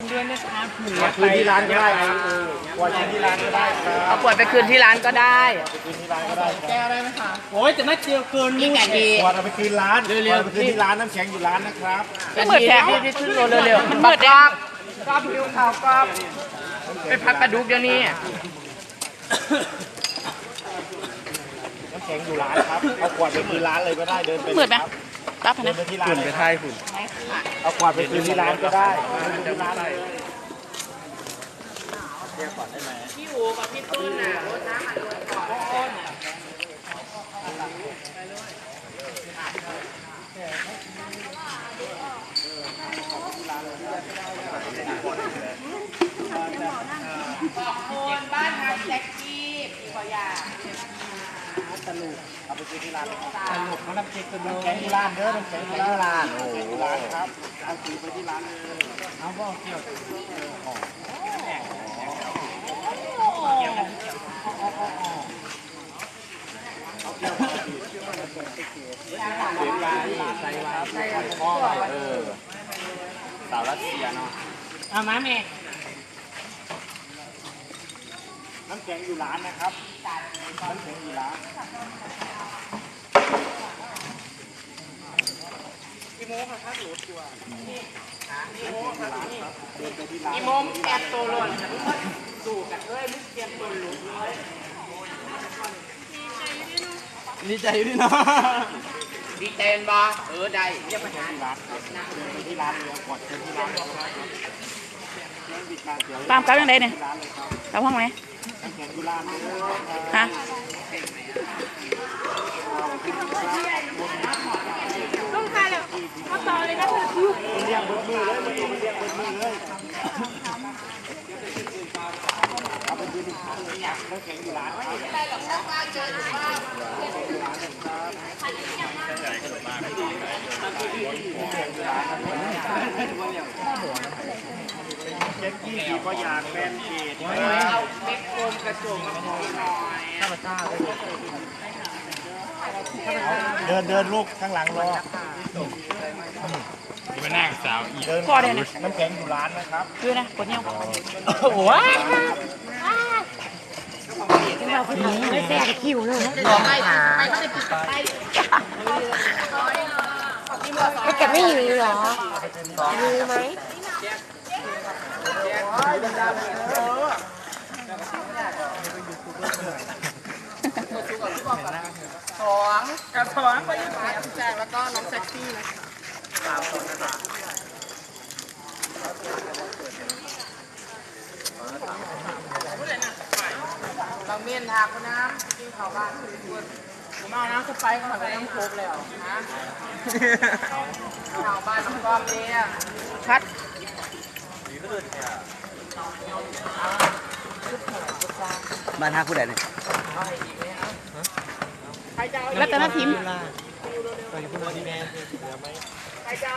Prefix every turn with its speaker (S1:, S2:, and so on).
S1: ด้วยนะคะเผื่อ
S2: คืนที่ร้านก็ได้ครับขวดคืนที่ร้านก็ได้ครับ
S3: เอาขวดไปคืนที่ร้านก็ได้
S2: ไปคืนที่ร้านก็ได้ครับ
S1: แก้วได้ไหมคะโอ้ยแต่น่าเจียวเกินนี่ไงดี
S2: ขวดเอาไปคืนร้านเร็วๆไปคืนที่ร้านน้ำแข็งอยู่ร้านนะครับ
S3: ก็เหมือนแท้ที่ขึ้นโรเร็วๆมันมืดแล้วก็ผิวขาวก็ไปพักกระดูกเดี๋ยวนี้
S2: น้ำแข็งอยู่ร้านครับเอาขวดไปคืนร้านเลยก็ได้เดินไป
S3: มืดไหมรับ
S2: เดิ
S3: นะ
S2: นไปที่ร้านไปไทยคุณเอาขวดไปคืนที่ร้านก็ได้ที่ร้านเลย
S3: พี่อูกับพี่ตุ้นน่ะรถน้ำมันลงก่อนขอบคุณบ้านทางแจ็คกี้พี่ขอยา
S2: เอาไปคืนที่ร้านสรุปน้ำแข็งน้ำแข็งที่ร้านเด้อน้ำแข็งที่ร้านโอ้โหร้านครับเอาคืนไปที่ร้านเลยเอาบ่เกี่ยวเสียงยาใส่ครับใส่ข้อสาวรัสเซียเนาะ
S1: เอามาแม่
S2: น้ำแข็งอยู่ร้านนะครับน้ำแข็งอยู่ร้าน
S3: อีโมมแกนตัวหล่นสู่กันเอ้ยมุกเกมตัวหลุดเลย
S1: ดีใจด้วยเนาะ
S3: ดีเจนบอได้เรียกปัญหา
S2: ที่ร้านที่ร้านเลยกดที่ร้าน
S3: ตามกลับยังไงเนี่ยกลับห้องไหน
S2: น้ำแข็งที่ร้านเลย
S3: ฮะ
S4: ต้องทานเลยมาต่อเลยนะคือ
S2: เรียกเบิร์ดมือเลยเรียกเบิร์ดมือเลยเอาไปดูดิน้ำแข็งอยู่ร้านเจ็ดกี้ก็อยากเป็นเกต
S3: เอาเม็ดโฟมกระจุกมาพอหน่อย
S2: เดินลูกข้างหลังรอ
S1: มานั่งสาวอีก
S2: เดินน้ำแข็งอยู่ร้านนะครับ
S3: ด้วยนะกดเงี้ย
S1: โอ้ย
S4: ไม่แตกคิวเลย
S3: ไม่ก็จะปิดไป
S4: ไม่แกไม่อยู่หรอมีไหม
S3: สองกับสองก็ยืดแขนแจกแล้วก็น้องแซ็กซี่นะเราเมียนทาคนน้ำกินข้าวบ้านผมเอาน้ำสไปซ์เข้ามาในน้ำโค้กแล้วนะข้าวบ้านน้ำก้อมเนี่ยชัด
S5: บ้านท่าผู้ใดเนี่ย
S3: รัตนทิม